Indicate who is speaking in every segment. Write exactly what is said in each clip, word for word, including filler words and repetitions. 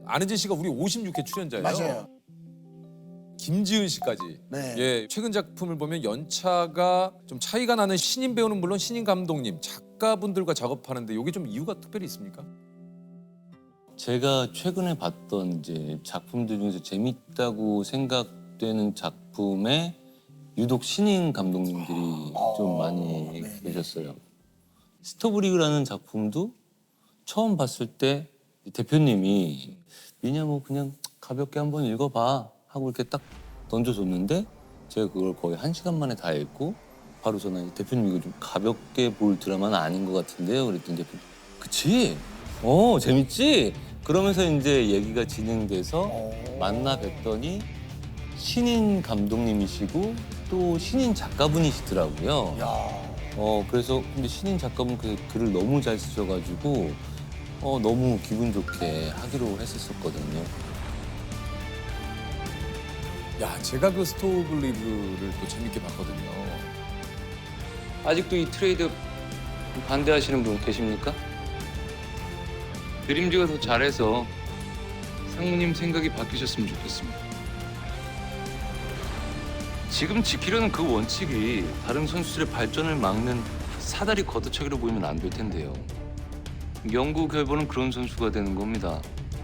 Speaker 1: 안혜진 씨가 우리 오십육 회 출연자예요.
Speaker 2: 맞아요.
Speaker 1: 김지은 씨까지.
Speaker 2: 네.
Speaker 1: 예, 최근 작품을 보면 연차가 좀 차이가 나는 신인 배우는 물론 신인 감독님, 작가분들과 작업하는데 이게 좀 이유가 특별히 있습니까?
Speaker 3: 제가 최근에 봤던 이제 작품들 중에서 재밌다고 생각되는 작품에 유독 신인 감독님들이 좀 많이 계셨어요. 스토브리그라는 작품도 처음 봤을 때 대표님이 미냐 뭐 그냥 가볍게 한번 읽어봐 하고 이렇게 딱 던져줬는데 제가 그걸 거의 한 시간 만에 다 읽고 바로 전화 대표님 이거 좀 가볍게 볼 드라마는 아닌 것 같은데요. 그랬더니 대표님 그치? 어 재밌지? 그러면서 이제 얘기가 진행돼서 만나 뵀더니 신인 감독님이시고 또 신인 작가분이시더라고요. 어 그래서 근데 신인 작가분 그 글을 너무 잘 쓰셔가지고 어 너무 기분 좋게 하기로 했었거든요.
Speaker 1: 야, 제가 그 스토브리그를 또 재밌게 봤거든요.
Speaker 3: 아직도 이 트레이드 반대하시는 분 계십니까? 드림즈가 더 잘해서 상무님 생각이 바뀌셨으면 좋겠습니다. 지금 지키려는 그 원칙이 다른 선수들의 발전을 막는 사다리 걷어차기로 보이면 안 될 텐데요. 영구 결번은 그런 선수가 되는 겁니다.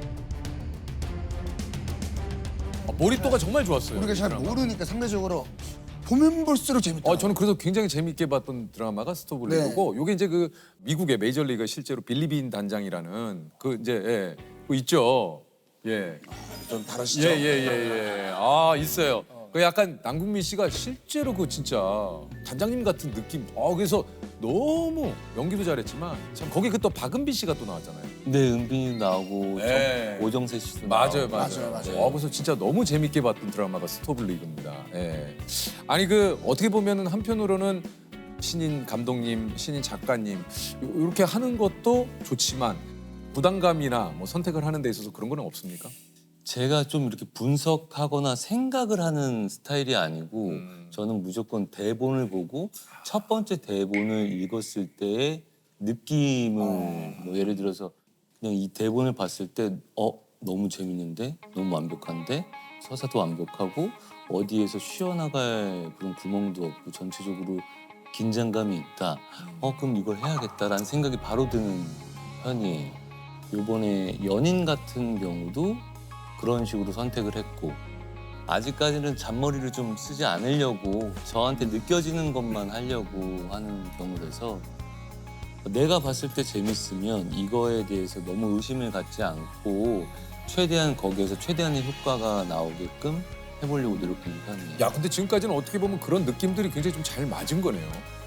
Speaker 1: 아, 몰입도가 정말 좋았어요.
Speaker 2: 우리가
Speaker 1: 이
Speaker 2: 잘
Speaker 1: 드라마.
Speaker 2: 모르니까 상대적으로 보면 볼수록 재밌다.
Speaker 1: 어, 저는 그래서 굉장히 재밌게 봤던 드라마가 스토브리그고, 요게 이제 그 미국의 메이저리그 실제로 빌리빈 단장이라는 그 이제 예, 그 있죠. 예,
Speaker 2: 좀 다르시죠?
Speaker 1: 예, 예, 예, 예. 아 있어요. 그 약간 남궁민 씨가 실제로 그 진짜 단장님 같은 느낌. 어 그래서 너무 연기도 잘했지만 참 거기 그 또 박은비 씨가 또 나왔잖아요.
Speaker 3: 네, 은빈이 나오고
Speaker 1: 네.
Speaker 3: 정- 오정세 씨도
Speaker 1: 맞아요,
Speaker 3: 나오고.
Speaker 1: 맞아요,
Speaker 2: 맞아요, 맞아요.
Speaker 1: 어, 그래서 진짜 너무 재밌게 봤던 드라마가 스토브리그입니다. 예. 아니 그 어떻게 보면은 한편으로는 신인 감독님, 신인 작가님 이렇게 하는 것도 좋지만 부담감이나 뭐 선택을 하는 데 있어서 그런 거는 없습니까?
Speaker 3: 제가 좀 이렇게 분석하거나 생각을 하는 스타일이 아니고
Speaker 1: 음.
Speaker 3: 저는 무조건 대본을 보고 첫 번째 대본을 읽었을 때의 느낌을 뭐 예를 들어서 그냥 이 대본을 봤을 때 어 너무 재밌는데 너무 완벽한데 서사도 완벽하고 어디에서 쉬어나갈 그런 구멍도 없고 전체적으로 긴장감이 있다. 어 그럼 이걸 해야겠다라는 생각이 바로 드는 편이에요. 이번에 연인 같은 경우도 그런 식으로 선택을 했고 아직까지는 잔머리를 좀 쓰지 않으려고 저한테 느껴지는 것만 하려고 하는 경우라서 내가 봤을 때 재밌으면 이거에 대해서 너무 의심을 갖지 않고 최대한 거기에서 최대한의 효과가 나오게끔 해보려고 노력하는 편이에요.
Speaker 1: 야, 근데 지금까지는 어떻게 보면 그런 느낌들이 굉장히 좀 잘 맞은 거네요.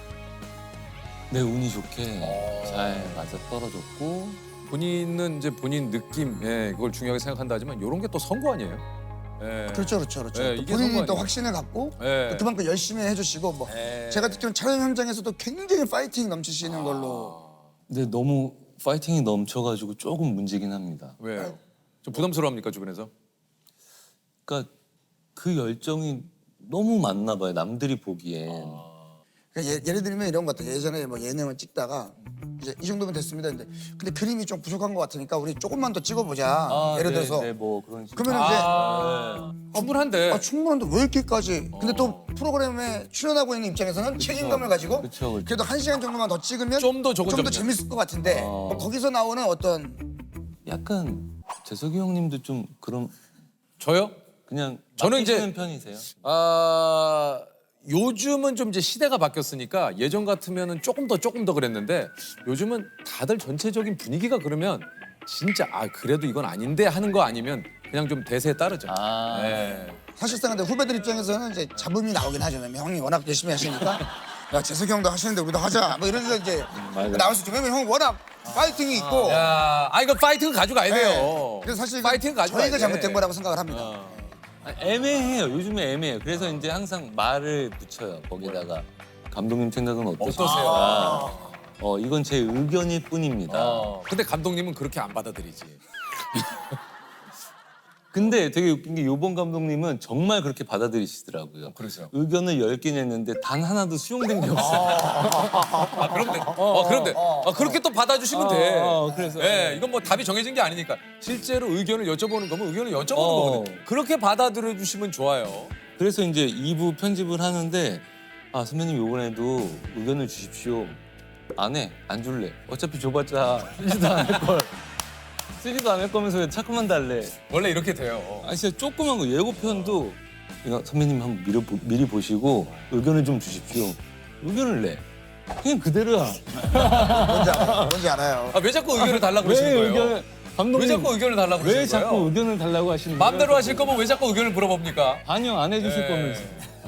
Speaker 3: 네, 운이 좋게
Speaker 1: 어.
Speaker 3: 잘 맞아 떨어졌고
Speaker 1: 본인은 이제 본인 느낌, 예, 그걸 중요하게 생각한다 하지만 이런 게 또 선거 아니에요? 예.
Speaker 2: 그렇죠, 그렇죠, 그렇죠.
Speaker 1: 네,
Speaker 2: 또
Speaker 1: 이게
Speaker 2: 본인이
Speaker 1: 성공이에요.
Speaker 2: 또 확신을 갖고
Speaker 1: 예.
Speaker 2: 또 그만큼 열심히 해주시고 뭐
Speaker 1: 예.
Speaker 2: 제가 듣기로는 촬영 현장에서도 굉장히 파이팅 넘치시는 걸로.
Speaker 3: 근데 너무 파이팅이 넘쳐가지고 조금 문제긴 합니다.
Speaker 1: 왜요? 좀 부담스러워합니까 주변에서?
Speaker 3: 그러니까 그 열정이 너무 많나 봐요. 남들이 보기엔.
Speaker 2: 그러니까 예, 예를 들면 이런 것 같아요. 예전에 뭐 예능을 찍다가 이제 이 정도면 됐습니다. 근데 근데 그림이 좀 부족한 것 같으니까 우리 조금만 더 찍어보자.
Speaker 3: 아,
Speaker 2: 예를
Speaker 3: 네,
Speaker 2: 들어서
Speaker 3: 네, 뭐 그런 식으로.
Speaker 2: 그러면 이제
Speaker 1: 아, 충분한데.
Speaker 2: 아, 충분한데 왜 이렇게까지? 근데 또 프로그램에 출연하고 있는 입장에서는 책임감을 가지고
Speaker 3: 그쵸, 그쵸.
Speaker 2: 그래도 한 시간 정도만 더 찍으면
Speaker 1: 좀 더 저건
Speaker 2: 좀 더
Speaker 1: 좀
Speaker 2: 재밌을 것 같은데
Speaker 3: 어.
Speaker 2: 뭐 거기서 나오는 어떤
Speaker 3: 약간 재석이 형님도 좀 그런
Speaker 1: 저요?
Speaker 3: 그냥
Speaker 1: 저는 이제-
Speaker 3: 맡기시는 편이세요?
Speaker 1: 아 요즘은 좀 이제 시대가 바뀌었으니까 예전 같으면은 조금 더 조금 더 그랬는데 요즘은 다들 전체적인 분위기가 그러면 진짜 아 그래도 이건 아닌데 하는 거 아니면 그냥 좀 대세에 따르죠.
Speaker 3: 아.
Speaker 1: 네.
Speaker 2: 사실상 근데 후배들 입장에서는 이제 잡음이 나오긴 하죠. 형이 워낙 열심히 하시니까 야 재석이 형도 하시는데 우리도 하자 뭐 이러면서 이제
Speaker 3: 맞아요.
Speaker 2: 나올 수 있죠. 왜냐면 형 워낙 파이팅이 있고
Speaker 1: 야, 아 이거 파이팅을 가져가야
Speaker 2: 네.
Speaker 1: 돼요.
Speaker 2: 그래서 사실
Speaker 1: 파이팅 가져가야
Speaker 2: 저희가
Speaker 1: 돼.
Speaker 2: 잘못된 거라고 생각을 합니다.
Speaker 1: 어.
Speaker 3: 아, 애매해요. 요즘에 애매해요. 그래서 이제 항상 말을 붙여요. 거기다가 감독님 생각은 어떠세요?
Speaker 1: 어떠세요?
Speaker 3: 어 이건 제 의견일 뿐입니다.
Speaker 1: 어. 근데 감독님은 그렇게 안 받아들이지.
Speaker 3: 근데 되게 웃긴 게 요번 감독님은 정말 그렇게 받아들이시더라고요.
Speaker 1: 그래서요?
Speaker 3: 의견을 열 개 냈는데 단 하나도 수용된 게 없어요.
Speaker 1: 아 그런데 어, 그런데 아, 그렇게 또 받아주시면 돼.
Speaker 3: 어, 그래서.
Speaker 1: 예, 이건 뭐 답이 정해진 게 아니니까 실제로 의견을 여쭤보는 거면 의견을 여쭤보는
Speaker 3: 어.
Speaker 1: 거거든요. 그렇게 받아들여 주시면 좋아요.
Speaker 3: 그래서 이제 이 부 편집을 하는데 아 선배님 요번에도 의견을 주십시오. 안 해, 안 줄래. 어차피 줘봤자 쓰지도 않을 걸. 쓰지도 않을 거면서 왜 자꾸만 달래.
Speaker 1: 원래 이렇게 돼요.
Speaker 3: 아 진짜 조그만 거 예고편도 이거 선배님 한번 미리, 보, 미리 보시고 의견을 좀 주십시오. 의견을 내. 그냥 그대로야.
Speaker 2: 뭔지 알아요. 뭔지 알아요.
Speaker 1: 아, 왜 자꾸 의견을 달라고
Speaker 3: 왜
Speaker 1: 그러시는 거예요?
Speaker 3: 의견을 감독님
Speaker 1: 왜 자꾸 의견을 달라고
Speaker 3: 왜
Speaker 1: 그러시는
Speaker 3: 자꾸
Speaker 1: 거예요?
Speaker 3: 의견을 달라고 하시는 거예요?
Speaker 1: 마음대로 하실 거면 왜 자꾸 의견을 물어봅니까?
Speaker 3: 반영 안 해주실
Speaker 1: 예.
Speaker 3: 거면서.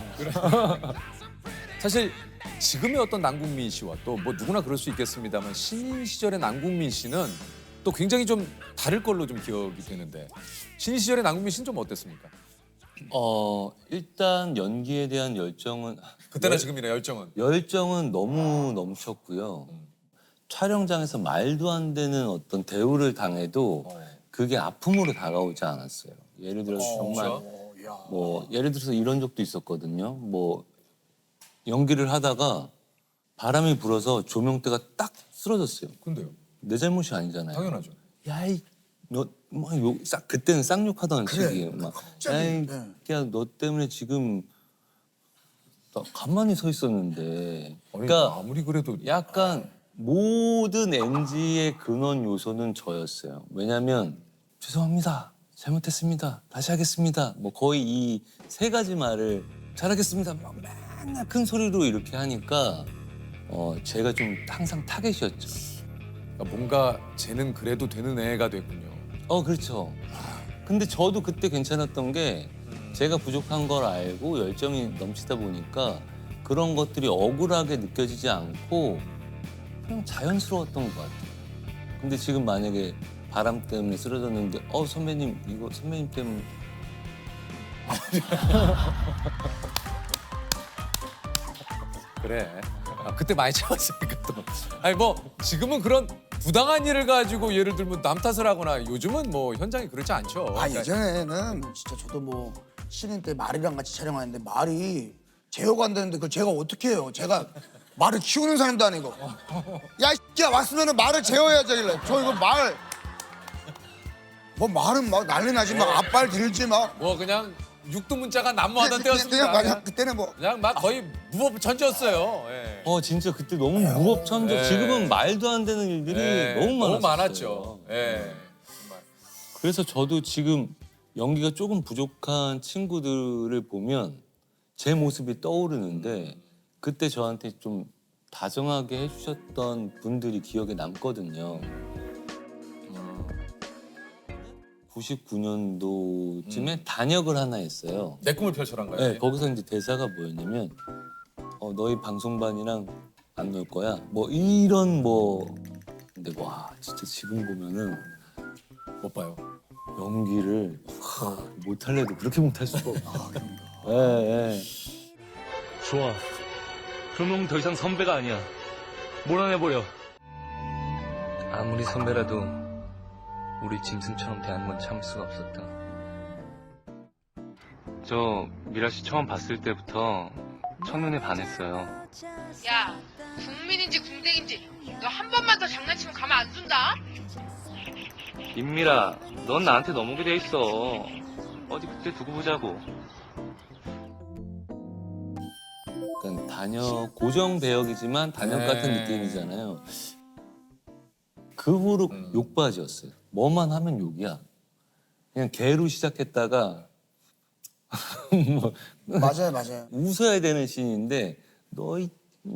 Speaker 1: 사실 지금의 어떤 남궁민 씨와 또 뭐 누구나 그럴 수 있겠습니다만 신인 시절의 남궁민 씨는 또 굉장히 좀 다를 걸로 좀 기억이 되는데 신인 시절의 남궁민 씨는 좀 어땠습니까?
Speaker 3: 어 일단 연기에 대한 열정은
Speaker 1: 그때나
Speaker 3: 열-
Speaker 1: 지금이나 열정은
Speaker 3: 열정은 너무 넘쳤고요. 촬영장에서 말도 안 되는 어떤 대우를 당해도 그게 아픔으로 다가오지 않았어요. 예를 들어서 정말
Speaker 1: 그렇죠.
Speaker 3: 뭐 예를 들어서 이런 적도 있었거든요. 뭐 연기를 하다가 바람이 불어서 조명대가 딱 쓰러졌어요.
Speaker 1: 근데요?
Speaker 3: 내 잘못이 아니잖아요.
Speaker 1: 당연하죠.
Speaker 3: 야이 너뭐싹 그때는 쌍욕하던
Speaker 2: 그래,
Speaker 3: 시기에 막
Speaker 2: 갑자기,
Speaker 3: 야이
Speaker 2: 네.
Speaker 3: 야너 때문에 지금 나 가만히 서 있었는데
Speaker 1: 아니,
Speaker 3: 그러니까
Speaker 1: 아무리 그래도
Speaker 3: 약간 모든 엔지의 근원 요소는 저였어요. 왜냐면 죄송합니다. 잘못했습니다. 다시 하겠습니다. 뭐 거의 이 세 가지 말을 잘하겠습니다. 막 맨날 큰 소리로 이렇게 하니까 어 제가 좀 항상 타겟이었죠.
Speaker 1: 그러니까 뭔가 쟤는 그래도 되는 애가 됐군요.
Speaker 3: 어 그렇죠. 근데 저도 그때 괜찮았던 게 제가 부족한 걸 알고 열정이 넘치다 보니까 그런 것들이 억울하게 느껴지지 않고 그냥 자연스러웠던 것 같아요. 근데 지금 만약에 바람 때문에 쓰러졌는데 어 선배님 이거 선배님 때문에
Speaker 1: 그래. 아, 그때 많이 참았으니까 또. 아니 뭐 지금은 그런 부당한 일을 가지고 예를 들면 남 탓을 하거나 요즘은 뭐 현장이 그렇지 않죠.
Speaker 2: 아
Speaker 1: 그러니까
Speaker 2: 예전에는 진짜 저도 뭐 신인 때 말이랑 같이 촬영하는데 말이 제어가 안 되는데 그걸 제가 어떻게 해요? 제가 말을 키우는 사람도 아니고 야 이야 왔으면은 말을 제어해야지 하길래 저 이거 말 뭐 말은 막 난리 나지 막 앞발 들지 막
Speaker 1: 뭐 그냥 육두문자가 난무하던
Speaker 2: 그냥,
Speaker 1: 때였습니다.
Speaker 2: 그냥
Speaker 1: 그냥,
Speaker 2: 그냥 그때는 뭐
Speaker 1: 그냥 막 거의 무법천지였어요. 예.
Speaker 3: 어 진짜 그때 너무 무법천적.
Speaker 1: 네.
Speaker 3: 지금은 말도 안 되는 일들이
Speaker 1: 예,
Speaker 3: 너무 많았어요.
Speaker 1: 많았죠. 예. 정말.
Speaker 3: 그래서 저도 지금 연기가 조금 부족한 친구들을 보면 제 모습이 떠오르는데 그때 저한테 좀 다정하게 해주셨던 분들이 기억에 남거든요. 구십구 년도쯤에 단역을 하나 했어요.
Speaker 1: 내 꿈을 펼쳐란가요?
Speaker 3: 네, 거기서 이제 대사가 뭐였냐면 어, 너희 방송반이랑 안 놀 거야. 뭐 이런 뭐 근데 와 진짜 지금 보면은
Speaker 1: 못 봐요.
Speaker 3: 연기를 하, 못할래도 그렇게 못할 수가 없어. 예, 예.
Speaker 4: 좋아. 그럼 넌 더 이상 선배가 아니야. 몰아내버려. 아무리 선배라도 우리 짐승처럼 대하는 건 참을 수가 없었다. 저 미라 씨 처음 봤을 때부터 첫눈에 반했어요.
Speaker 5: 야, 국민인지 궁뎅인지 너 한 번만 더 장난치면 가만 안 둔다.
Speaker 4: 임미라, 넌 나한테 넘어오게 돼 있어. 어디 그때 두고 보자고.
Speaker 3: 약간 단역 고정 배역이지만 단역
Speaker 1: 네.
Speaker 3: 같은 느낌이잖아요. 그 후로
Speaker 1: 음.
Speaker 3: 욕바지였어요. 뭐만 하면 욕이야. 그냥 개로 시작했다가 뭐
Speaker 2: 맞아요 맞아요
Speaker 3: 웃어야 되는 씬인데 너희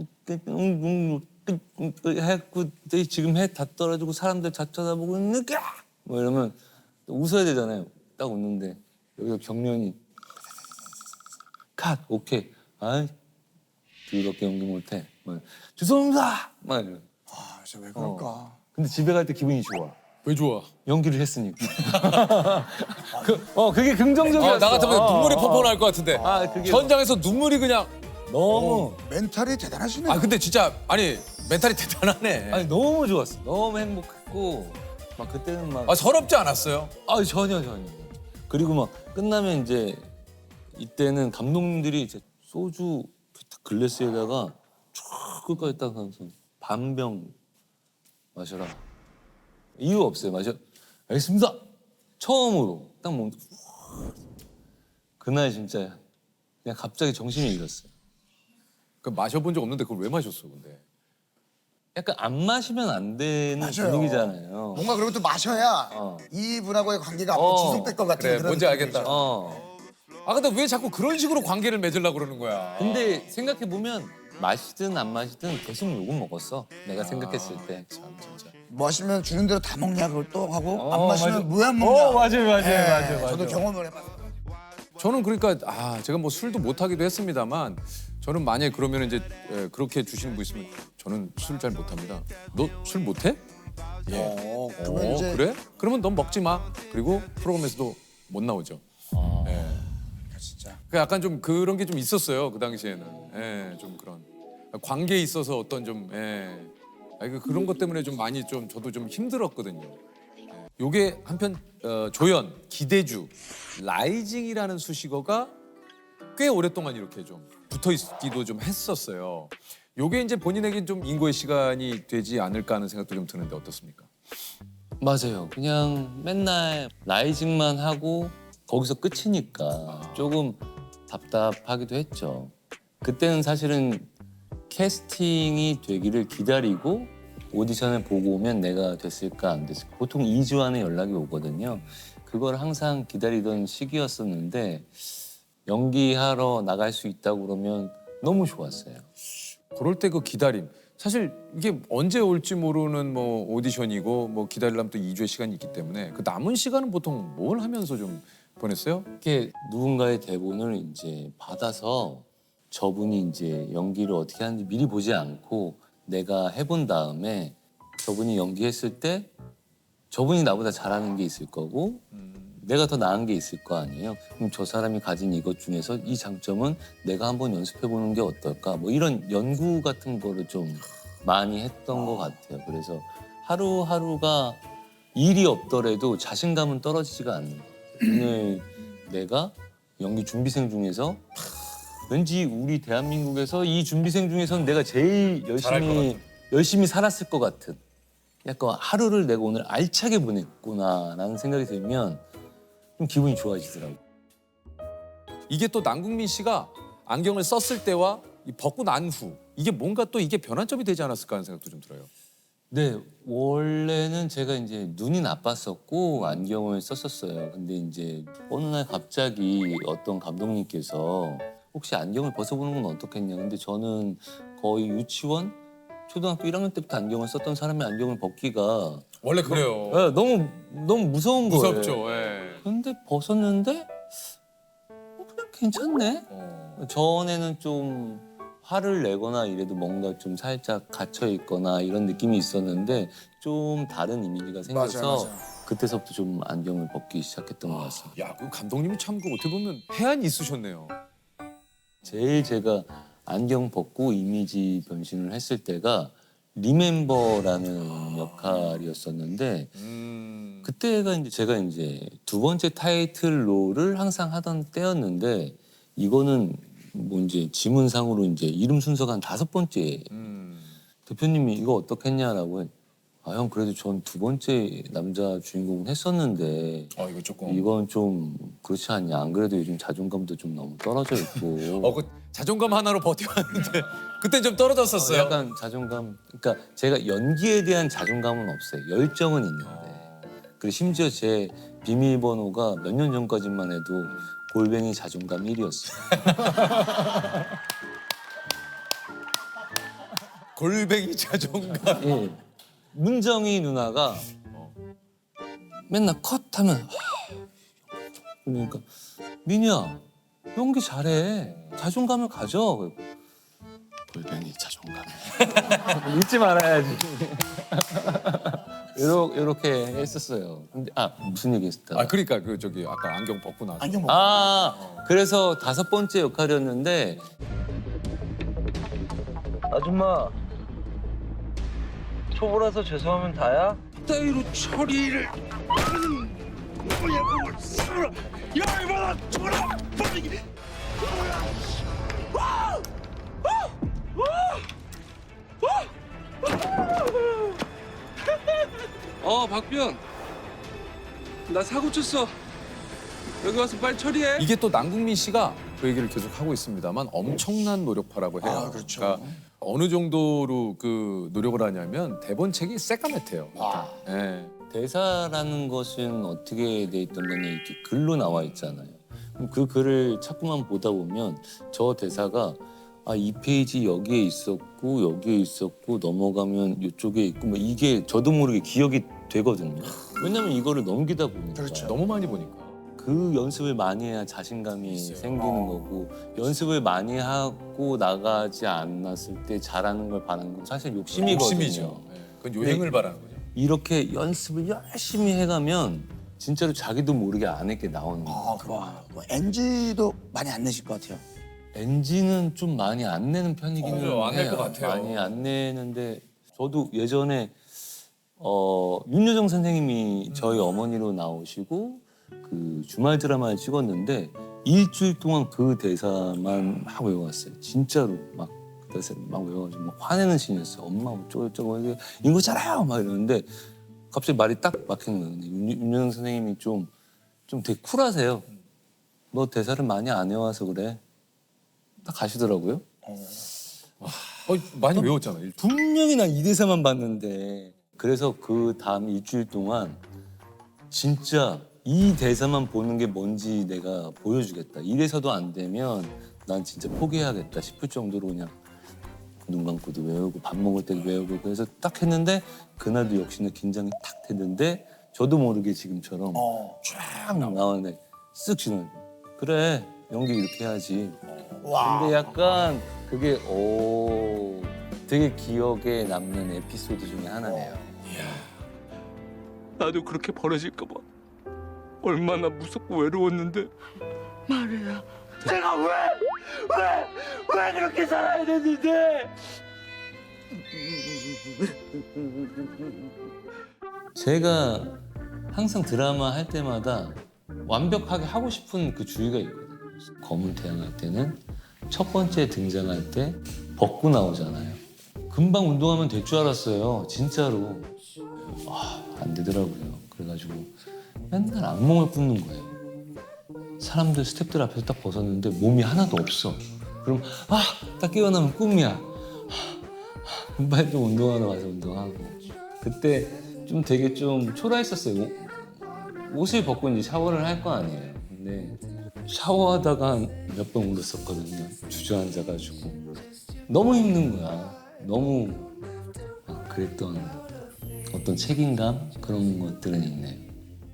Speaker 3: 해고 지금 해 다 떨어지고 사람들 다 쳐다보고 느껴 뭐 이러면 또 웃어야 되잖아요. 딱 웃는데 여기서 경련이 컷 오케이 아 뒤밖에 연기 못해 뭐, 죄송합니다 막 이러.
Speaker 2: 아 진짜 왜 그럴까
Speaker 3: 근데 집에 갈 때 기분이 좋아.
Speaker 1: 왜 좋아?
Speaker 3: 연기를 했으니까. 그, 어 그게 긍정적이었어.
Speaker 1: 아, 나 같으면
Speaker 3: 어,
Speaker 1: 눈물이
Speaker 3: 어,
Speaker 1: 펑펑 날 것 같은데.
Speaker 3: 아, 그게
Speaker 1: 현장에서 눈물이 그냥.
Speaker 3: 너무
Speaker 2: 멘탈이 대단하시네
Speaker 1: 아 근데 진짜 아니 멘탈이 대단하네.
Speaker 3: 아니 너무 좋았어. 너무 행복했고 막 그때는 막
Speaker 1: 아 서럽지 않았어요?
Speaker 3: 아 전혀 전혀. 그리고 막 끝나면 이제 이때는 감독님들이 이제 소주 글래스에다가 쫙 끝까지 딱 하면서 반병 마셔라. 이유 없어요. 마셔. 알겠습니다. 처음으로 딱 먹는 그날 진짜 그냥 갑자기 정신을 잃었어요.
Speaker 1: 그 마셔본 적 없는데 그걸 왜 마셨어 근데?
Speaker 3: 약간 안 마시면 안 되는
Speaker 2: 맞아요.
Speaker 3: 분위기잖아요.
Speaker 2: 뭔가 그리고 또 마셔야
Speaker 3: 어.
Speaker 2: 이분하고의 관계가 앞으로
Speaker 3: 어.
Speaker 2: 지속될 것 같은
Speaker 1: 그래,
Speaker 2: 그런
Speaker 1: 뭔지
Speaker 2: 느낌이죠.
Speaker 1: 알겠다.
Speaker 3: 어.
Speaker 1: 아 근데 왜 자꾸 그런 식으로 관계를 맺으려고 그러는 거야?
Speaker 3: 근데 생각해 보면 마시든 안 마시든 계속 욕은 먹었어. 내가 생각했을 때.
Speaker 1: 참 진짜.
Speaker 2: 마시면 주는 대로 다 먹냐 그걸 또 하고
Speaker 3: 어,
Speaker 2: 안 마시면
Speaker 3: 맞아.
Speaker 2: 왜 안 먹냐.
Speaker 3: 어, 맞아요, 맞아요,
Speaker 2: 예,
Speaker 3: 맞아요, 맞아요.
Speaker 2: 저도 경험을 해봤어요.
Speaker 1: 저는 그러니까 아 제가 뭐 술도 못 하기도 했습니다만 저는 만약에 그러면 이제 예, 그렇게 주시는 분 있으면 저는 술 잘 못합니다. 너 술 못해? 예.
Speaker 2: 어, 그러면
Speaker 1: 어,
Speaker 2: 이제
Speaker 1: 그래? 그러면 넌 먹지 마. 그리고 프로그램에서도 못 나오죠. 예.
Speaker 2: 진짜
Speaker 1: 그 약간 좀 그런 게 좀 있었어요 그 당시에는. 예, 좀 그런 관계에 있어서 어떤 좀 예. 아니, 그 그런 것 때문에 좀 많이 좀 저도 좀 힘들었거든요. 예. 요게 한편 어, 조연, 기대주, 라이징이라는 수식어가 꽤 오랫동안 이렇게 좀 붙어 있기도 좀 했었어요. 요게 이제 본인에게 좀 인고의 시간이 되지 않을까 하는 생각도 좀 드는데 어떻습니까?
Speaker 3: 맞아요. 그냥 맨날 라이징만 하고 거기서 끝이니까 조금 답답하기도 했죠. 그때는 사실은 캐스팅이 되기를 기다리고 오디션을 보고 오면 내가 됐을까 안 됐을까. 보통 이 주 안에 연락이 오거든요. 그걸 항상 기다리던 시기였었는데 연기하러 나갈 수 있다고 그러면 너무 좋았어요.
Speaker 1: 그럴 때 그 기다림. 사실 이게 언제 올지 모르는 뭐 오디션이고 뭐 기다리려면 또 이 주의 시간이 있기 때문에 그 남은 시간은 보통 뭘 하면서 좀 보냈어요?
Speaker 3: 이렇게 누군가의 대본을 이제 받아서 저분이 이제 연기를 어떻게 하는지 미리 보지 않고 내가 해본 다음에 저분이 연기했을 때 저분이 나보다 잘하는 게 있을 거고 내가 더 나은 게 있을 거 아니에요. 그럼 저 사람이 가진 이것 중에서 이 장점은 내가 한번 연습해 보는 게 어떨까? 뭐 이런 연구 같은 거를 좀 많이 했던 것 같아요. 그래서 하루하루가 일이 없더라도 자신감은 떨어지지가 않는 것 같아요. 오늘 내가 연기 준비생 중에서 왠지 우리 대한민국에서 이 준비생 중에서는 내가 제일 열심히 열심히 살았을 것 같은 약간 하루를 내가 오늘 알차게 보냈구나라는 생각이 들면 좀 기분이 좋아지더라고요.
Speaker 1: 이게 또 남궁민 씨가 안경을 썼을 때와 이 벗고 난 후 이게 뭔가 또 이게 변환점이 되지 않았을까 하는 생각도 좀 들어요.
Speaker 3: 네, 원래는 제가 이제 눈이 나빴었고 안경을 썼었어요. 근데 이제 어느 날 갑자기 어떤 감독님께서 혹시 안경을 벗어보는 건 어떻겠냐. 근데 저는 거의 유치원, 초등학교 일 학년 때부터 안경을 썼던 사람의 안경을 벗기가
Speaker 1: 원래 그래요.
Speaker 3: 네, 너무 너무 무서운 거예요.
Speaker 1: 무섭죠. 예.
Speaker 3: 근데 벗었는데 어, 그냥 괜찮네.
Speaker 1: 어.
Speaker 3: 전에는 좀 화를 내거나 이래도 뭔가 좀 살짝 갇혀 있거나 이런 느낌이 있었는데 좀 다른 이미지가 생겨서
Speaker 2: 맞아요, 맞아요.
Speaker 3: 그때서부터 좀 안경을 벗기 시작했던 것 같습니다.
Speaker 1: 야, 그 감독님이 참 그 어떻게 보면 해안이 있으셨네요.
Speaker 3: 제일 제가 안경 벗고 이미지 변신을 했을 때가 리멤버라는 역할이었었는데
Speaker 1: 음.
Speaker 3: 그때가 이제 제가 이제 두 번째 타이틀로를 항상 하던 때였는데 이거는 뭐 이제 지문상으로 이제 이름 순서가 한 다섯 번째
Speaker 1: 음.
Speaker 3: 대표님이 이거 어떻겠냐라고 해. 아, 형 그래도 전 두 번째 남자 주인공은 했었는데
Speaker 1: 어 이거 조금.
Speaker 3: 이건 좀 그렇지 않냐. 안 그래도 요즘 자존감도 좀 너무 떨어져 있고
Speaker 1: 어, 그 자존감 하나로 버텨왔는데 그때 좀 떨어졌었어요.
Speaker 3: 어, 약간 자존감. 그러니까 제가 연기에 대한 자존감은 없어요. 열정은 있는데. 그리고 심지어 제 비밀번호가 몇 년 전까지만 해도 골뱅이 자존감 일 위였어요.
Speaker 1: 골뱅이 자존감.
Speaker 3: 예. 문정희 누나가 맨날 컷하면 그러니까 민우야 연기 잘해. 자존감을 가져. 골뱅이 자존감. 잊지 말아야지. 요렇게, 요렇게 했었어요. 근데 아 무슨 얘기 했었다.
Speaker 1: 아 그러니까 그 저기 아까 안경 벗고 나서.
Speaker 2: 안경 먹고
Speaker 3: 아 그래서 다섯 번째 역할이었는데
Speaker 6: 아줌마 초보라서 죄송하면 다야?
Speaker 1: 따위로 처리를
Speaker 6: 어, 박비현. 나 사고 쳤어. 여기 와서 빨리 처리해.
Speaker 1: 이게 또 남궁민 씨가 그 얘기를 계속 하고 있습니다만 엄청난 노력파라고 해요.
Speaker 2: 아, 그렇죠.
Speaker 1: 그러니까 어느 정도로 그 노력을 하냐면 대본책이 새까맣대요. 예.
Speaker 3: 대사라는 것은 어떻게 돼 있던 거냐 이렇게 글로 나와 있잖아요. 그럼 그 글을 자꾸만 보다 보면 저 대사가 아, 이 페이지 여기에 있었고 여기에 있었고 넘어가면 이쪽에 있고 뭐 이게 저도 모르게 기억이 되거든요. 왜냐면 이거를 넘기다 보니까
Speaker 2: 그렇죠.
Speaker 1: 너무 많이 보니까.
Speaker 3: 그 연습을 많이 해야 자신감이 생기는 거고 연습을 많이 하고 나가지 않았을 때 잘하는 걸 바라는 건 사실 욕심이거든요.
Speaker 1: 욕심이죠. 예. 그건 요행을 바라는 거죠.
Speaker 3: 이렇게 연습을 열심히 해가면 진짜로 자기도 모르게 안 했게 나오는 거예요.
Speaker 2: 아, 그럼 뭐 엔지도 많이 안 내실 것 같아요.
Speaker 3: 엔진은 좀 많이 안 내는 편이기는
Speaker 1: 어, 안낼
Speaker 3: 해요.
Speaker 1: 것 같아요.
Speaker 3: 많이 안 내는데 저도 예전에 어, 윤여정 선생님이 저희 어머니로 나오시고 그 주말 드라마를 찍었는데 일주일 동안 그 대사만 막 외워왔어요. 진짜로 막 그 대사 막 외워가지고 막 화내는 신이었어요. 엄마 어쩌고저쩌고 이게 이거잖아요 막 이러는데 갑자기 말이 딱 막히는 거예요. 근데 윤, 윤여정 선생님이 좀 좀 되게 쿨하세요. 너 대사를 많이 안 외워서 그래. 딱 가시더라고요.
Speaker 1: 어, 많이 외웠잖아요. 일주일.
Speaker 3: 분명히 난 이 대사만 봤는데 그래서 그 다음 일주일 동안 진짜 이 대사만 보는 게 뭔지 내가 보여주겠다. 이 대사도 안 되면 난 진짜 포기해야겠다 싶을 정도로 그냥 눈 감고도 외우고 밥 먹을 때도 외우고 그래서 딱 했는데 그날도 역시나 긴장이 탁 되는데 저도 모르게 지금처럼
Speaker 2: 어.
Speaker 3: 쫙 나오는데 쓱 지나가. 그래 연기 이렇게 해야지.
Speaker 2: 와.
Speaker 3: 근데 약간 그게 오 되게 기억에 남는 에피소드 중에 하나네요.
Speaker 6: 나도 그렇게 벌어질까 봐. 얼마나 무섭고 외로웠는데. 말이야. 제가 왜, 왜, 왜 그렇게 살아야 됐는데?
Speaker 3: 제가 항상 드라마 할 때마다 완벽하게 하고 싶은 그 주의가 있거든요. 검은 태양 할 때는 첫 번째 등장할 때 벗고 나오잖아요. 금방 운동하면 될 줄 알았어요. 진짜로. 아, 안 되더라고요. 그래가지고 맨날 악몽을 꾸는 거예요. 사람들 스태프들 앞에서 딱 벗었는데 몸이 하나도 없어. 그럼 아, 딱 깨어나면 꿈이야. 금방 또 운동하러 가서 운동하고. 그때 좀 되게 좀 초라했었어요. 옷을 벗고 이제 샤워를 할 거 아니에요. 근데 샤워하다가 몇 번 울었었거든요. 주저앉아가지고 너무 힘든 거야. 너무 막 그랬던 어떤 책임감 그런 것들은 있네요.